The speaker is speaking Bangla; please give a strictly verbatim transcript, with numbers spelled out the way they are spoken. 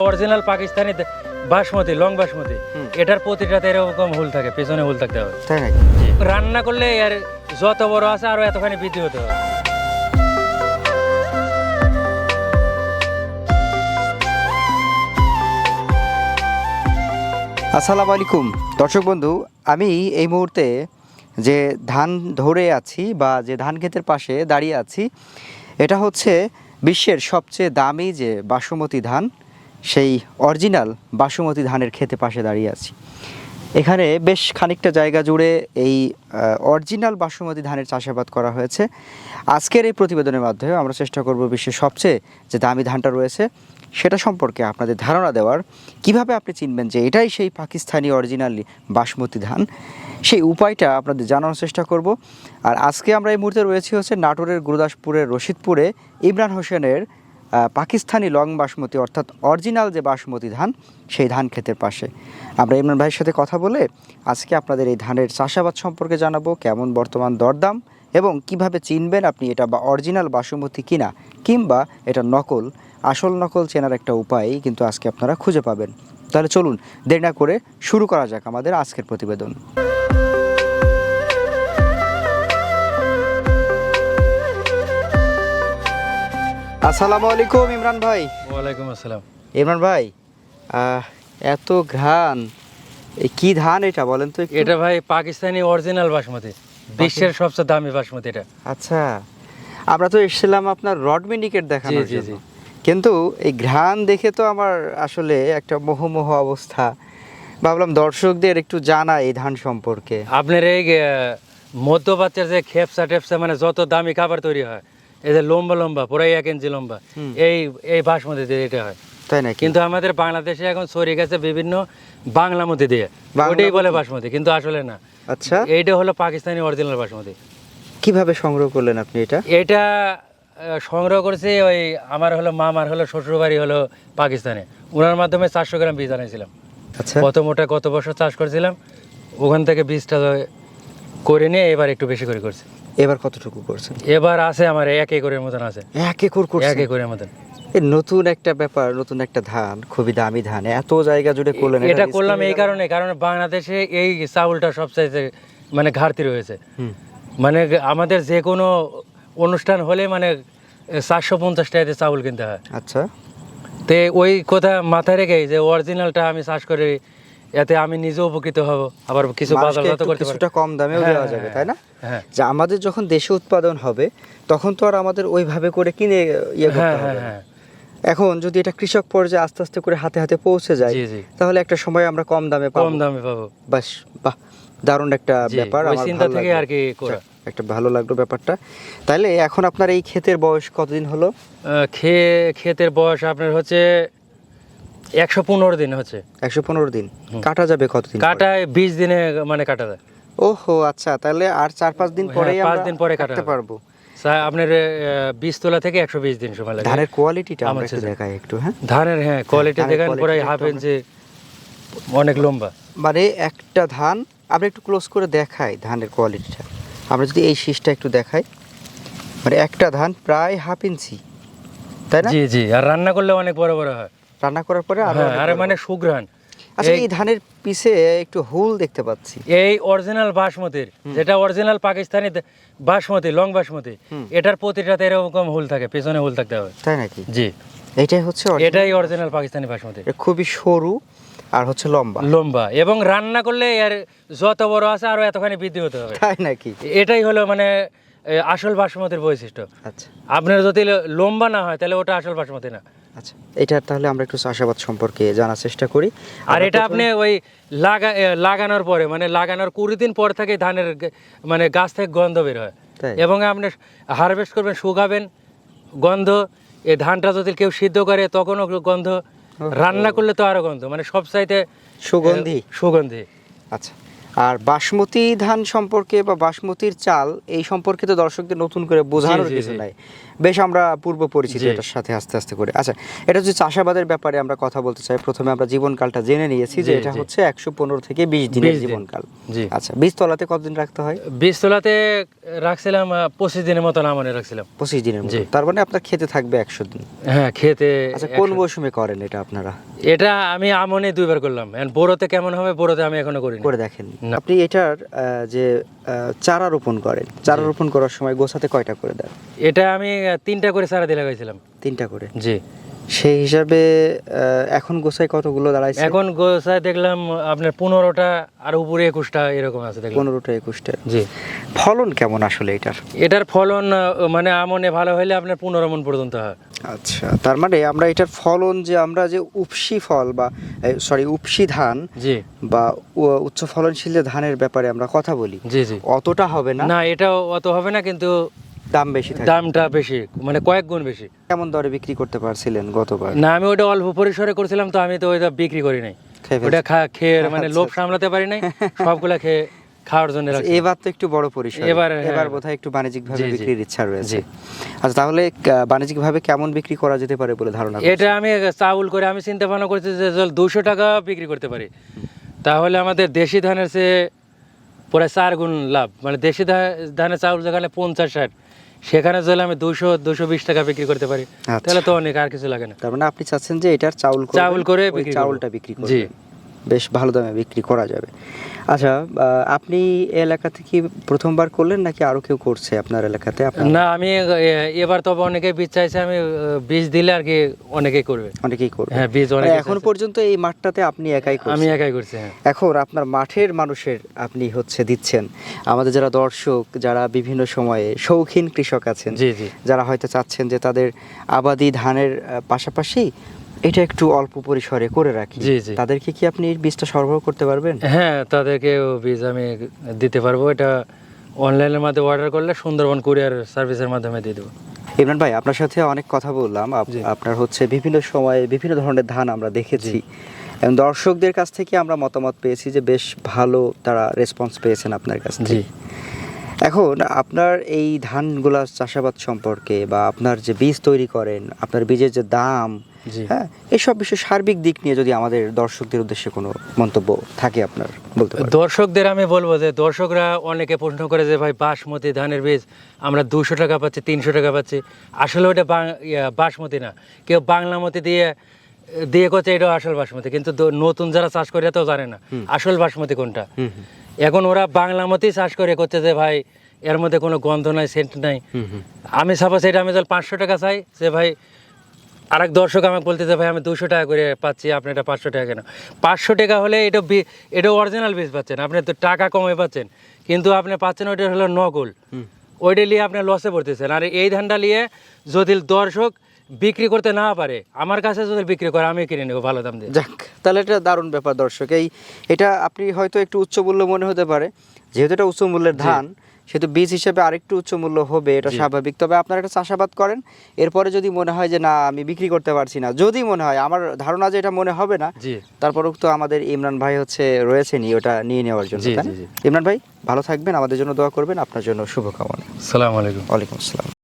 অরিজিনাল পাকিস্তানি বাসমতি লং বাসমতি এটার প্রতিটাতে এরকম হুল থাকে, পেছনে হুল থাকতে হবে। তাই নাকি? রান্না করলে আর যত বড় আছে আরো এতখানি বৃদ্ধি হতে হবে। আসসালামু আলাইকুম দর্শক বন্ধু, আমি এই মুহূর্তে যে ধান ধরে আছি বা যে ধান ক্ষেতের পাশে দাঁড়িয়ে আছি, এটা হচ্ছে বিশ্বের সবচেয়ে দামি যে বাসমতি ধান, সেই অরিজিনাল বাসমতি ধানের ক্ষেতে পাশে দাঁড়িয়ে আছি। এখানে বেশ খানিকটা জায়গা জুড়ে এই অরিজিনাল বাসমতি ধানের চাষাবাদ করা হয়েছে। আজকের এই প্রতিবেদনের মাধ্যমে আমরা চেষ্টা করব বিশ্বের সবচেয়ে যে দামি ধানটা রয়েছে সেটা সম্পর্কে আপনাদের ধারণা দেওয়ার, কিভাবে আপনি চিনবেন যে এটাই সেই পাকিস্তানি অরিজিনালি বাসমতি ধান, সেই উপায়টা আপনাদের জানানোর চেষ্টা করব। আর আজকে আমরা এই মুহূর্তে রয়েছি হচ্ছে নাটোরের গুরুদাসপুরের রশিদপুরে ইমরান হোসেনের পাকিস্তানি লং বাসমতি অর্থাৎ অরিজিনাল যে বাসমতি ধান, সেই ধান ক্ষেতের পাশে। আমরা ইমরান ভাইয়ের সাথে কথা বলে আজকে আপনাদের এই ধানের চাষাবাদ সম্পর্কে জানাবো, কেমন বর্তমান দরদাম এবং কিভাবে চিনবেন আপনি এটা বা অরিজিনাল বাসমতি কিনা কিংবা এটা নকল, আসল নকল চেনার একটা উপায় কিন্তু আজকে আপনারা খুঁজে পাবেন। তাহলে চলুন দেরি না করে শুরু করা যাক আমাদের আজকের প্রতিবেদন। আসসালামু আলাইকুম ইমরান ভাই। ওয়ালাইকুম আসসালাম। ইমরান ভাই, এত ঘ্রাণ, কি ধান এটা বলেন তো? এটা ভাই পাকিস্তানি অরিজিনাল বাসমতি, বিশ্বের সবচেয়ে দামি বাসমতি এটা। আচ্ছা, আমরা তো এসেছিলাম আপনার রড মিনিকেট দেখানোর জি, জি, জন্য, জি। কিন্তু এই ঘ্রাণ দেখে তো আমার আসলে একটা মোহমোহ অবস্থা। ভাবলাম দর্শকদের একটু জানা এই ধান সম্পর্কে। আপনার এই আহ, মধ্যপ্রাচ্যের যে খেপসা টেপসা মানে যত দামি খাবার তৈরি হয়, এই যে লম্বা লম্বা পুরাই এক ইঞ্চি লম্বা, এই এই বাসমতি দিয়ে এটা হয়। তাই নাকি? কিন্তু আমাদের বাংলাদেশে এখন ছড়িয়ে গেছে বিভিন্ন বাংলা মতি দিয়ে, ওটাই বলে বাসমতি, কিন্তু আসলে না। আচ্ছা, এইটা হলো পাকিস্তানি অরিজিনাল বাসমতি। কিভাবে সংগ্রহ করলেন আপনি এটা? এটা আহ, সংগ্রহ করেছি ওই আমার হলো মামার হলো শ্বশুরবাড়ি হলো পাকিস্তানে, ওনার মাধ্যমে চারশো গ্রাম বীজ আনাইছিলাম। আচ্ছা, প্রথম ওটা গত বছর চাষ করেছিলাম, ওখান থেকে বীজটা করে নিয়ে এবার একটু বেশি করে করছি। এবার কতটুকু করছেন? এবার আছে আমার এক একরের মতন আছে। এক একর করছেন? এক একরের মতন। এই নতুন একটা ব্যাপার, নতুন একটা ধান, খুবই দামি ধান, এত জায়গা জুড়ে করলেন। এটা করলাম এই কারণে, কারণ বাংলাদেশে এই চাউলটা সবচাইতে মানে ঘাটতি রয়েছে। মানে আমাদের যে কোনো অনুষ্ঠান হলে মানে চারশো পঞ্চাশ টাকাতে চাউল কিনতে হয়। আচ্ছা, তে ওই কথা মাথায় রেখে যে অরিজিনালটা আমি চাষ করে, এতে আমি নিজে উপকৃত হব, আবার কিছু বাজারজাত করতে কিছুটা কম দামেও দেওয়া যাবে, তাই না? হ্যাঁ, যে আমাদের যখন দেশে উৎপাদন হবে তখন তো আর আমাদের ওইভাবে করে কিনে ইয়ে করতে হ্যাঁ, হবে হ্যাঁ, না। এখন যদি এটা কৃষক পর্যায়ে আস্তে আস্তে করে হাতে হাতে পৌঁছে যায়, জি, জি। তাহলে একটা সময় আমরা কম দামে পাবো। কম দামে পাবো। বাস, বাহ, দারুণ একটা জি, ব্যাপার। ওই আমার চিন্তা ভালো থেকে লাগলো। আর কি করা। একটা ভালো লাগলো ব্যাপারটা। তাহলে এখন আপনার এই ক্ষেতের বয়স কতদিন হলো? আহ, খে ক্ষেতের বয়স আপনার হচ্ছে একশো পনেরো দিন হচ্ছে। একশো পনেরো দিন। কাটা যাবে কতদিন পরে? কাটায় বিশ দিনে মানে কাটা যায়। ওহো, আচ্ছা, তাহলে আর চার পাঁচ দিন হ্যাঁ, পরেই পাঁচ আমরা দিন পরে কাটা কাটতে হবে। পারবো। স্যার, আপনার বিশ তোলা থেকে একশো বিশ দিন সময় লাগে। ধানের কোয়ালিটিটা আমরা আমার একটু ছেলে। দেখাই একটু। হ্যাঁ, ধানের, হ্যাঁ, কোয়ালিটি ধানের দেখেন quality পুরাই একটু হাফ আমরা- ইঞ্চি, অনেক লম্বা। মানে একটা ধান আমরা একটু ক্লোজ করে দেখাই ধানের কোয়ালিটিটা। আমরা যদি এই শীষটা একটু দেখাই, মানে একটা ধান প্রায় হাফ ইঞ্চি, তাই না? জি, জি। আর রান্না করলে অনেক বড় বড় হয়। রান্না করার পরে আরো হ্যাঁ, অনেক আরে বড় মানে বড়। সুঘ্রাণ। আচ্ছা, এই- এই ধানের পিছে একটু হুল দেখতে পাচ্ছি। এই অরিজিনাল বাসমতির, যেটা অরিজিনাল পাকিস্তানি দে- বাসমতি লং বাসমতি, এটার প্রতিটাতে এরকম হুল থাকে, পেছনে হুল থাকতে হবে। তাই নাকি? জি, এটাই হচ্ছে original। এটাই অরিজিনাল পাকিস্তানি বাসমতি। এটা খুবই সরু আর হচ্ছে লম্বা, লম্বা, এবং রান্না করলে এর যত বড় আছে আরো এতখানি বৃদ্ধি হতে হবে। তাই নাকি? এটাই হলো মানে এ, আসল বাসমতির বৈশিষ্ট্য। আচ্ছা, আপনার যদি ল- লম্বা না হয় তাহলে ওটা আসল বাসমতি না। আচ্ছা, এটা তাহলে আমরা একটু চাষাবাদ সম্পর্কে জানার চেষ্টা করি। আর আমরা এটা প্রথমে- আপনি ওই লাগা এ, লাগানোর পরে মানে লাগানোর কুড়ি দিন পর থেকে ধানের গে- মানে গাছ থেকে গন্ধ বের হয়, তাই? এবং আপনি হারভেস্ট করবেন, শুকাবেন, গন্ধ। এই ধানটা যদি কেউ সিদ্ধ করে তখনও গন্ধ, রান্না করলে তো আরো গন্ধ, মানে সব চাইতে সুগন্ধি। সুগন্ধি। আচ্ছা, আর বাসমতি ধান সম্পর্কে বা বাসমতির চাল এই সম্পর্কে তো দর্শকদের নতুন করে বোঝানোর জি, জি, কিছু জি। নাই। বেশ আমরা পূর্ব পরিচিত জি। এটার সাথে আস্তে আস্তে করে। আচ্ছা, এটা হচ্ছে চাষাবাদের ব্যাপারে আমরা কথা বলতে চাই। প্রথমে আমরা জীবনকালটা জেনে নিয়েছি যে জি, এটা জি। হচ্ছে একশো পনেরো থেকে বিশ দিনের বিশ দিন। জীবনকাল। জি। আচ্ছা, বীজতলাতে কতদিন রাখতে হয়? বীজতলাতে রাখছিলাম আহ, পঁচিশ দিনের মতন আমনে রাখছিলাম। পঁচিশ দিনের মতো। জি। তার মানে আপনার খেতে থাকবে একশো দিন। হ্যাঁ, খেতে আচ্ছা, কোন একশো- মৌসুমে করেন এটা আপনারা? এটা আমি আমনে দুইবার করলাম, এখন বোরোতে কেমন হবে বোরোতে আমি এখনো করিনি। করে দেখেন। না। আপনি এটার আহ, যে আহ, চারা রোপণ করেন, চারা জি। রোপণ করার সময় গোছাতে কয়টা করে দেন? এটা আমি আহ, তিনটা করে চারা দিয়ে লাগাইছিলাম। তিনটা করে। জি। সেই হিসাবে আহ, এখন গোছায় কতগুলো দাঁড়াইছে? এখন গোছায় দেখলাম আপনার পনেরোটা আর উপরে একুশটা এরকম আছে দেখলাম। পনেরোটা একুশটা। জি। ফলন কেমন আসলে এটার? এটার ফলন আহ, মানে আমনে ভালো হলে আপনার পনেরো মন পর্যন্ত হয়। আচ্ছা, তার মানে আমরা এটার ফলন যে আমরা যে উপসি ফল বা সরি উপসি ধান জি বা উ- উচ্চ ফলনশীল যে ধানের ব্যাপারে আমরা কথা বলি, জি জি। অতটা হবে না, না, এটাও অত হবে না, কিন্তু দাম বেশি থাকে। দামটা বেশি, মানে কয়েক গুণ বেশি। কেমন দরে বিক্রি করতে পারছিলেন গতবার? না, আমি ওটা অল্প পরিসরে করছিলাম তো, আমি তো ওইটা বিক্রি করি নাই। খেয়ে ফেলছেন? ওটা খা- খেয়ে মানে আচ্ছা, লোভ আচ্ছা। সামলাতে পারি নাই, সবগুলা খেয়ে খাওয়ার জন্য রাখছি। এবার তো একটু বড় পরিসর, এবার, হ্যাঁ। এবার বোধহয় একটু বাণিজ্যিক ভাবে জি, জি। বিক্রির ইচ্ছা রয়েছে। জি। আচ্ছা, তাহলে বাণিজ্যিক ভাবে কেমন বিক্রি করা যেতে পারে বলে ধারণা করছেন? এটা আমি চাউল করে আমি চিন্তা ভাবনা করছি যে দুশো টাকা বিক্রি করতে পারি, তাহলে আমাদের দেশি ধানের চেয়ে প্রায় চার গুণ লাভ। মানে দেশি ধা- ধানের চাউল যেখানে পঞ্চাশ ষাট, সেখানে যদি আমি দুশো দুশো বিশ টাকা বিক্রি করতে পারি, আচ্ছা। তাহলে তো অনেক, আর কিছু লাগে না। তার মানে আপনি চাচ্ছেন যে এটার চাউল করবেন, চাউল করে ওই বিক্রি করব। চাউলটা বিক্রি জি। করবেন, বেশ ভালো দামে বিক্রি করা যাবে। আচ্ছা, আহ, আপনি এই এলাকাতে কি প্রথমবার করলেন নাকি আরো কেউ করছে আপনার এলাকাতে? আপনার না, আমি এ- এবার তবে অনেকে বীজ চাইছে, আমি আহ, বীজ দিলে আর কি অনেকেই করবে। অনেকেই করবে। হ্যাঁ, বীজ মানে অনেকে এখন চাইছে। পর্যন্ত এই মাঠটাতে আপনি একাই আমি করছেন? একাই করছি। হ্যাঁ। এখন আপনার মাঠের মানুষের আপনি হচ্ছে দিচ্ছেন, আমাদের যারা দর্শক, যারা বিভিন্ন সময়ে শৌখিন কৃষক আছেন, জি জি যারা হয়তো চাচ্ছেন যে তাদের আবাদি ধানের আহ, পাশাপাশি এটা একটু অল্প পরিসরে করে রাখি, জি, জি। তাদেরকে কি আপনি এই বীজটা সরবরাহ করতে পারবেন? হ্যাঁ, তাদেরকে বীজ আমি দিতে পারবো। এটা অনলাইনের মাধ্যমে অর্ডার করলে সুন্দরবন কুরিয়ার সার্ভিসের মাধ্যমে দিয়ে দেবো। ইমরান ভাই, আপনার সাথে অনেক কথা বললাম। আপ- জি। আপনার হচ্ছে বিভিন্ন সময়ে বিভিন্ন ধরনের ধান আমরা দেখেছি, এবং দর্শকদের কাছ থেকে আমরা মতামত পেয়েছি যে বেশ ভালো তারা রেসপন্স পেয়েছেন আপনার কাছ জি। থেকে। এখন আপনার এই ধানগুলা চাষাবাদ সম্পর্কে বা আপনার যে বীজ তৈরি করেন, আপনার বীজের যে দাম, জি। হ্যাঁ, এইসব বিষয় সার্বিক দিক নিয়ে যদি আমাদের দর্শকদের উদ্দেশ্যে কোনো মন্তব্য থাকে আপনার বলতে পারেন। দর্শকদের আমি বলবো যে দর্শকরা অনেকে প্রশ্ন করে যে ভাই বাসমতি ধানের বীজ আমরা দুশো টাকা পাচ্ছি, তিনশো টাকা পাচ্ছি। আসলে ওটা বাং- ইয়া, বাসমতি না, কেউ বাংলামতি দিয়ে দিয়ে করছে এটা আসল বাসমতি, কিন্তু দ- নতুন যারা চাষ করে তো জানে না আসল বাসমতি কোনটা। হুম হুম, এখন ওরা বাংলামতি চাষ করে করছে যে ভাই এর মধ্যে কোনো গন্ধ নাই, সেন্ট নাই। হুম হুম। আমি সাপোজ এটা আমি যদি পাঁচশো টাকা চাই, যে ভাই আরেক দর্শক আমাকে বলতেছে ভাই আমি দুশো টাকা করে পাচ্ছি, আপনি এটা পাঁচশো টাকা কেন? পাঁচশো টাকা হলে এটা বি- এটা অরিজিনাল বীজ পাচ্ছেন, আপনি তো টাকা কমে পাচ্ছেন, কিন্তু আপনি পাচ্ছেন ওইটা হলো নকল। ওইটা নিয়ে আপনি লসে পড়তেছেন। আর এই ধানটা নিয়ে যদি দর্শক বিক্রি করতে না পারে, আমার কাছে যদি বিক্রি করে আমি কিনে নেবো ভালো দাম দিয়ে। যাক, তাহলে এটা দারুণ ব্যাপার দর্শক। এই এটা আপনি হয়তো একটু উচ্চ মূল্য মনে হতে পারে, যেহেতু এটা উচ্চ মূল্যের ধান, সেহেতু বীজ হিসেবে আরেকটু উচ্চ মূল্য হবে, এটা জি। স্বাভাবিক। তবে আপনারা একটা চাষাবাদ করেন, এরপরে যদি মনে হয় যে না আমি বিক্রি করতে পারছি না, যদি মনে হয়, আমার ধারণা যে এটা মনে হবে না, জি তারপরেও তো আমাদের ইমরান ভাই হচ্ছে রয়েছেনই ওটা নিয়ে নেওয়ার জন্য, জি, তাই না? জি, জি। ইমরান ভাই ভালো থাকবেন, আমাদের জন্য দোয়া করবেন, আপনার জন্য শুভকামনা। সালাম আলাইকুম। ওয়ালাইকুম আসসালাম।